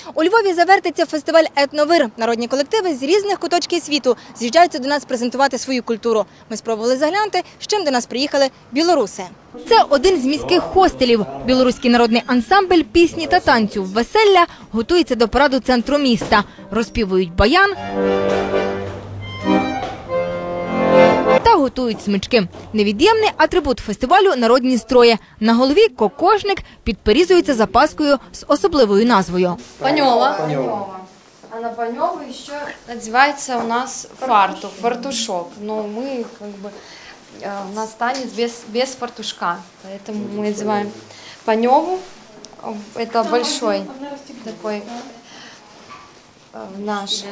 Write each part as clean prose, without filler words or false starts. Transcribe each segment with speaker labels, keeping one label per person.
Speaker 1: У Львові завертиться фестиваль «Етновир». Народні колективи з різних куточків світу з'їжджаються до нас презентувати свою культуру. Ми спробували заглянути, з чим до нас приїхали білоруси. Це один з міських хостелів. Білоруський народний ансамбль пісні та танцю «Веселля» готується до параду центру міста. Розпівують баян та готують смички. Невід'ємний атрибут фестивалю – народні строї. На голові кокошник підперізується запаскою з особливою назвою.
Speaker 2: Панёва. А на панёву еще надевается у нас фартук, фартушок. Но мы у нас танец без фартушка, поэтому мы надеваем панёву. Это большой такой наш,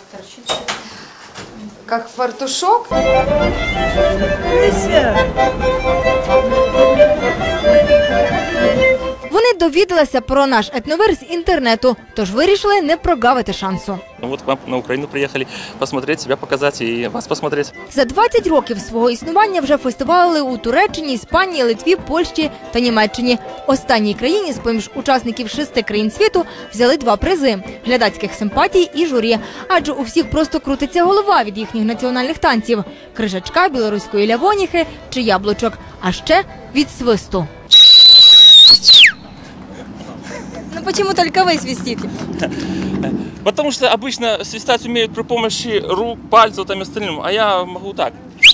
Speaker 2: как фартушок.
Speaker 1: Вони довідалися про наш етновир з інтернету, тож вирішили не прогавити шансу.
Speaker 3: Вот к вам на Украину приехали посмотреть, себя показать и вас посмотреть.
Speaker 1: За 20 років свого існування вже фестивали у Туреччині, Іспанії, Литві, Польщі та Німеччині. Останній країні з-поміж учасників 6 країн світу взяли 2 призи – глядацьких симпатій і журі. Адже у всіх просто крутиться голова від їхніх національних танців – крижачка, білоруської лявоніхи чи яблучок, а ще від свисту. Ну почему только вы свистите?
Speaker 3: Потому что обычно свистать умеют при помощи рук, пальцев там и остальным, а я могу так.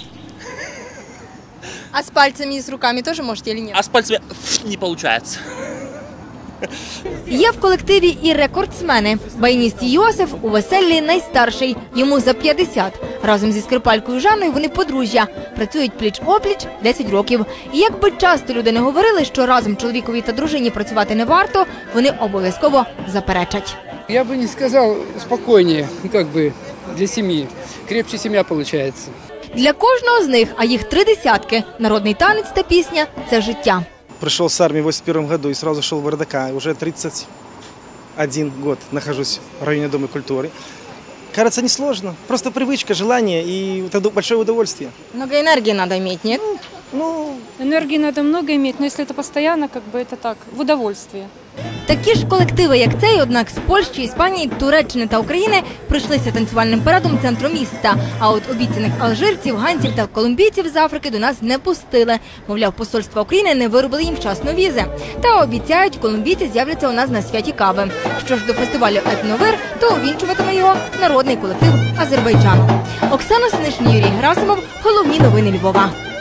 Speaker 1: А с пальцами и с руками тоже можете или нет?
Speaker 3: А с пальцами не получается.
Speaker 1: Є в колективі і рекордсмени. Баяніст Йосиф у «Веселлі» найстарший, йому за 50. Разом зі скрипалькою Жанною вони подружжя. Працюють пліч-опліч 10 років. І якби часто люди не говорили, що разом чоловікові та дружині працювати не варто, вони обов'язково заперечать.
Speaker 4: Я бы не сказал спокойнее, для семьи. Крепче семья получается.
Speaker 1: Для кожного з них, а їх 3 десятки, народний танець та пісня – це життя.
Speaker 5: Пришел с армии в 1981 году и сразу шел в РДК. Уже 31 год нахожусь в районе Дома культуры. Кажется, несложно. Просто привычка, желание и это большое удовольствие.
Speaker 1: Много энергии надо иметь, нет?
Speaker 6: Энергии надо много иметь, но если это постоянно, это так, в удовольствие.
Speaker 1: Такі ж колективи, як цей, однак з Польщі, Іспанії, Туреччини та України прийшлися танцювальним парадом центру міста. А от обіцяних алжирців, ганців та колумбійців з Африки до нас не пустили. Мовляв, посольство України не виробили їм вчасно візи. Та обіцяють, колумбійці з'являться у нас на святі кави. Що ж до фестивалю «Етновир», то увінчуватиме його народний колектив Азербайджану. Оксана Синишин, Юрій Герасимов. Головні новини Львова.